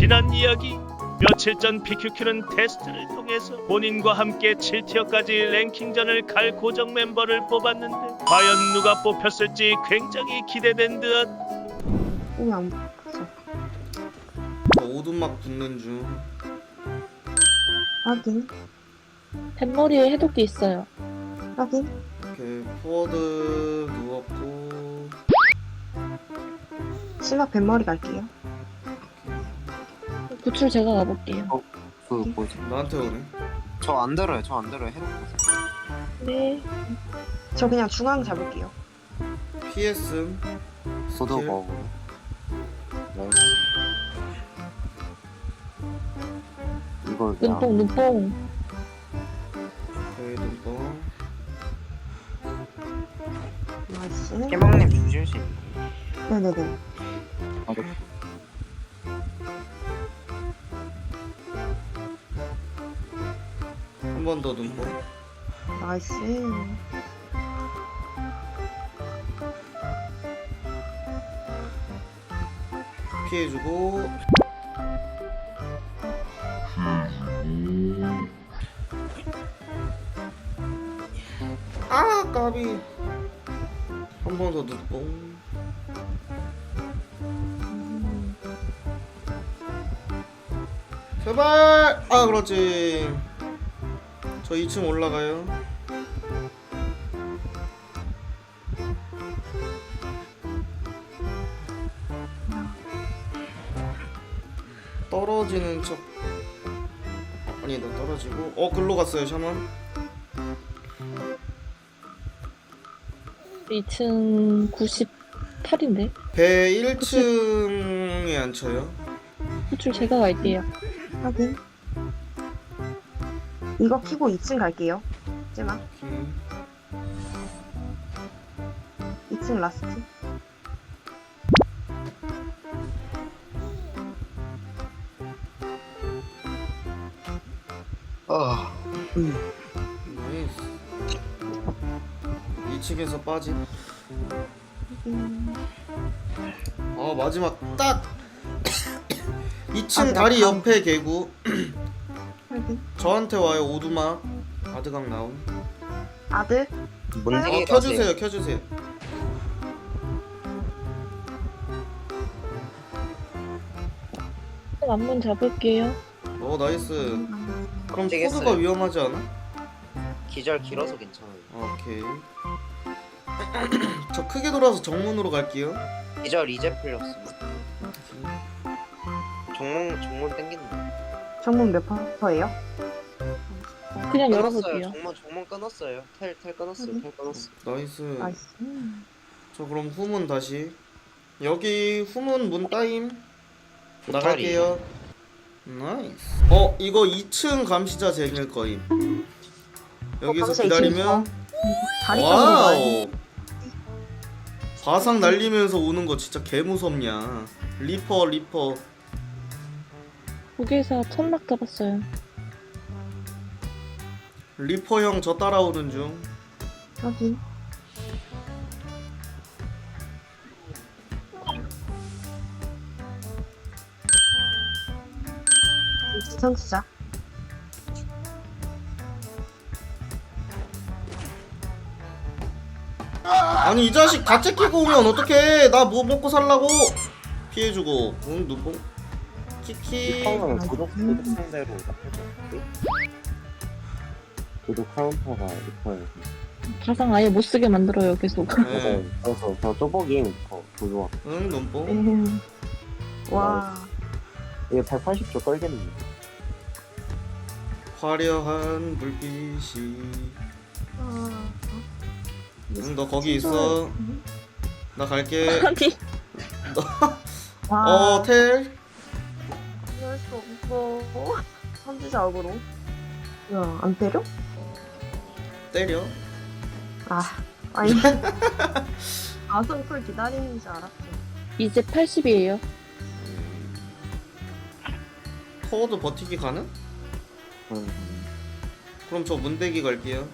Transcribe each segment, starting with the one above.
지난 이야기. 며칠 전 PQQ는 테스트를 통해서 본인과 함께 7티어까지 랭킹전을 갈 고정 멤버를 뽑았는데 과연 누가 뽑혔을지 굉장히 기대된 듯. 몸이 안 붙어. 오두막 붙는 중. 확인. 뱃머리에 해독기 있어요. 확인. 이렇게 포워드 누웠고. 심박 뱃머리 갈게요. 구출 제가 가볼게요. 그 뭐지? 나한테 오네. 저 안 들어요. 저 안 들어요. 해놓고. 네. 저 그냥 중앙 잡을게요. PS. 소드 킬. 버거. 나이스. 이걸 그냥 눈뽕. 저희 눈뽕. 나이스. 깨방님 주실 수 있나요? 네네네. 바로 한 번 더 눈뽕. 나이스. 피해주고. 아 까비. 한 번 더 눈뽕. 제발. 아 그렇지. 저 2층 올라가요. 떨어지는 척. 아니다 떨어지고. 글로 갔어요 샤먼. 2층 98인데. 배 1층에 앉혀요. 구출 제가 갈게요. 확인. 이거 키고 2층 갈게요. 쟤만. 오케이. 2층 라스트. 나이스. 2층에서 빠짐. 마지막 딱 2층 다리 옆에 개구. 확인. 저한테 와요. 오두막 아드강 나옴. 아들. 문제기 켜주세요. 앞문 잡을게요. 나이스. 그럼 문제겠어요. 코드가 위험하지 않아? 기절 길어서 괜찮아요. 오케이. 저 크게 돌아서 정문으로 갈게요. 기절 이제 풀렸습니다. 정문 땡기는데. 정문 몇 퍼예요? 그냥 끊었어요. 열어볼게요. 정문 끊었어요. 텔 끊었어요. 텔 끊었어. 나이스. 나이스. 저 그럼 후문 다시. 여기 후문 문 따임. 나갈게요. 나이스. 이거 2층 감시자 쟁일 거임. 여기서 감시자 기다리면. 2층 다리 깎는 와우. 바상 날리면서 오는 거 진짜 개 무섭냐. 리퍼. 고개사 천막 잡았어요. 리퍼 형 저 따라오는 중. 확인. 지성수자. 아니 이 자식 다 째끼고 오면 어떡해. 나 뭐 먹고 살라고. 피해주고. 눈뽕. 키키. 처음에는 구독 상대로 구독 카운터가 있어요. 가상 아예 못 쓰게 만들어요, 계속. 네. 그래서 저 쪼복이 구독. 응 눈뽕. 와. 이게 180조 끌겠는데. 화려한 불빛이. 너 거기 있어. 나 갈게. 아니, 와. 텔. 이럴 수 없어. 선지자 어그로. 야, 안 때려? 때려. 아니. 아성풀 기다리는 줄 알았죠. 이제 80이에요. 포워드 버티기 가능? 그럼 저 문대기 갈게요.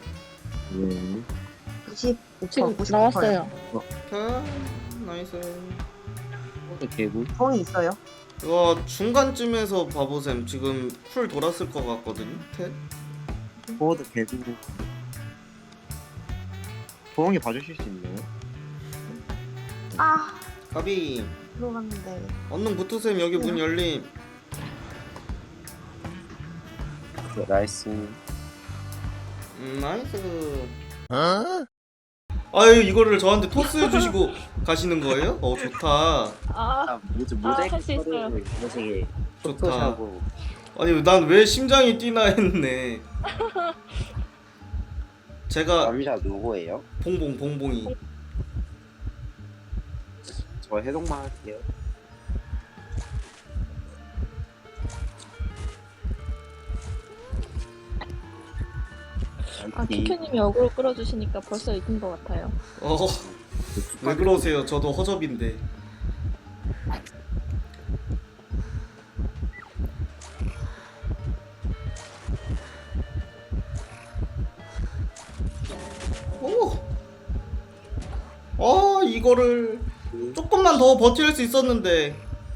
95%, 지금 99%. 나왔어요. 나이스. 개구. 정이 있어요. 이거 중간쯤에서 바보샘 지금 쿨 돌았을 것 같거든요. 텔? 포워드 개주고. 도엉이 봐주실 수 있나요? 아, 가비 들어갔는데. 언능 붙으셈. 여기 문 열림. 네, 나이스. 나이스. 아유 이거를 저한테 토스 해주시고 가시는 거예요? 좋다. 아, 모자이크 할수 있어요. 모자이크 좋다. 포토샵으로. 아니 난 왜 심장이 뛰나 했네. 제가 남자 누구예요? 봉봉이. 저 해동만 할게요. 아, 큐큐님이 어그로 끌어주시니까 벌써 이긴 것 같아요. 왜 그러세요? 저도 허접인데. 이거를 조금만 더 버틸 수 있었는데.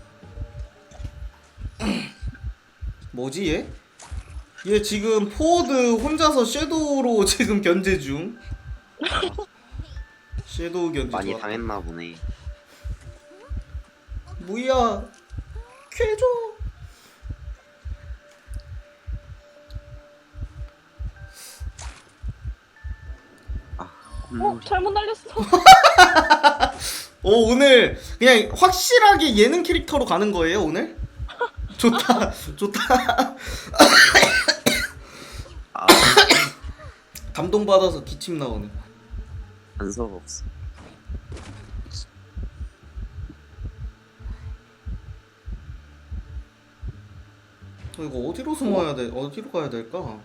뭐지 얘? 얘 지금 포워드 혼자서 섀도우로 지금 견제 중. 섀도우 견제 많이 좋았다. 당했나 보네. 뭐야? 쾌줘. 잘못 날렸어. 오늘 그냥 확실하게 예능 캐릭터로 가는 거예요 오늘? 좋다 좋다. 아, 감동받아서 기침 나오네. 단서가 없어. 이거 어디로 숨어야 돼? 어디로 가야 될까?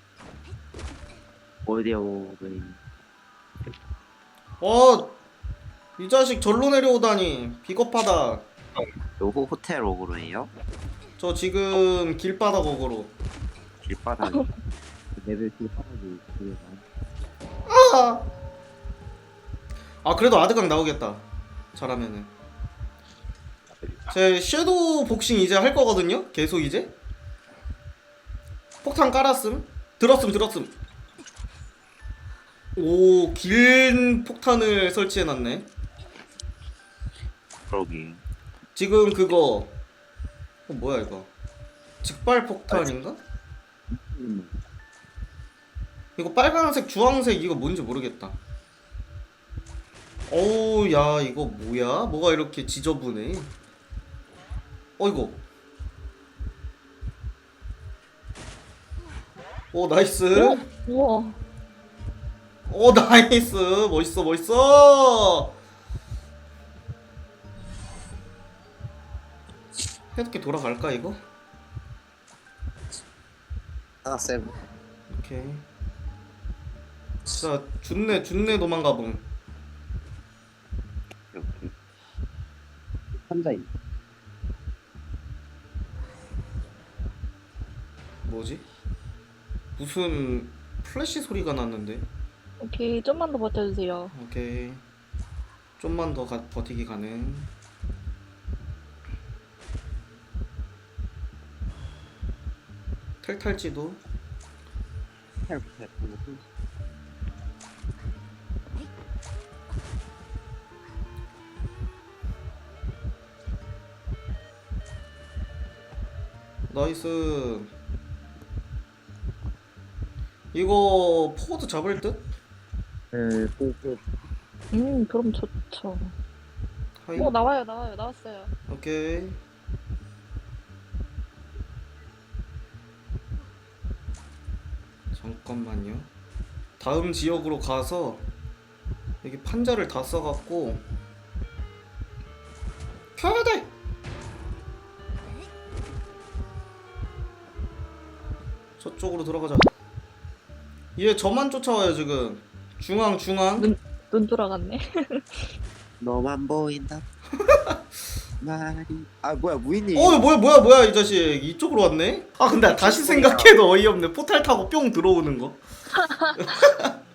어디요? 이 자식 절로 내려오다니 비겁하다. 요거 호텔 오그로예요? 저 지금 길바닥 어그로. 길바닥. 레벨 길바닥이 되게 그래도 아드강 나오겠다 잘하면은. 제 섀도우 복싱 이제 할 거거든요. 계속 이제 폭탄 깔았음. 들었음. 오, 긴 폭탄을 설치해놨네. 그러게. 지금 그거 뭐야 이거? 직발 폭탄인가? 이거 빨간색, 주황색 이거 뭔지 모르겠다. 어우 야 이거 뭐야? 뭐가 이렇게 지저분해? 이거. 나이스. 우와. 나이스. 멋있어. 해독기 돌아갈까 이거? 하나 쌤. 오케이. 자, 준내 도망가봉. 이렇게. 환자임. 뭐지? 무슨 플래시 소리가 났는데? 오케이, 좀만 더 버텨주세요. 오케이. 좀만 더 버티기 가능. 텔탈지도. 나이스. 이거 포워드 잡을 듯? 네, 그럼 좋죠. 하이. 나왔어요. 오케이. 잠깐만요. 다음 지역으로 가서 여기 판자를 다 써갖고 켜야 돼. 저쪽으로 들어가자. 얘 저만 쫓아와요 지금. 중앙. 눈 돌아갔네. 너만 보인다. 말이. 아 뭐야 무인님. 뭐야 이 자식 이쪽으로 왔네. 근데 다시 생각해도 어이없네. 포탈 타고 뿅 들어오는 거.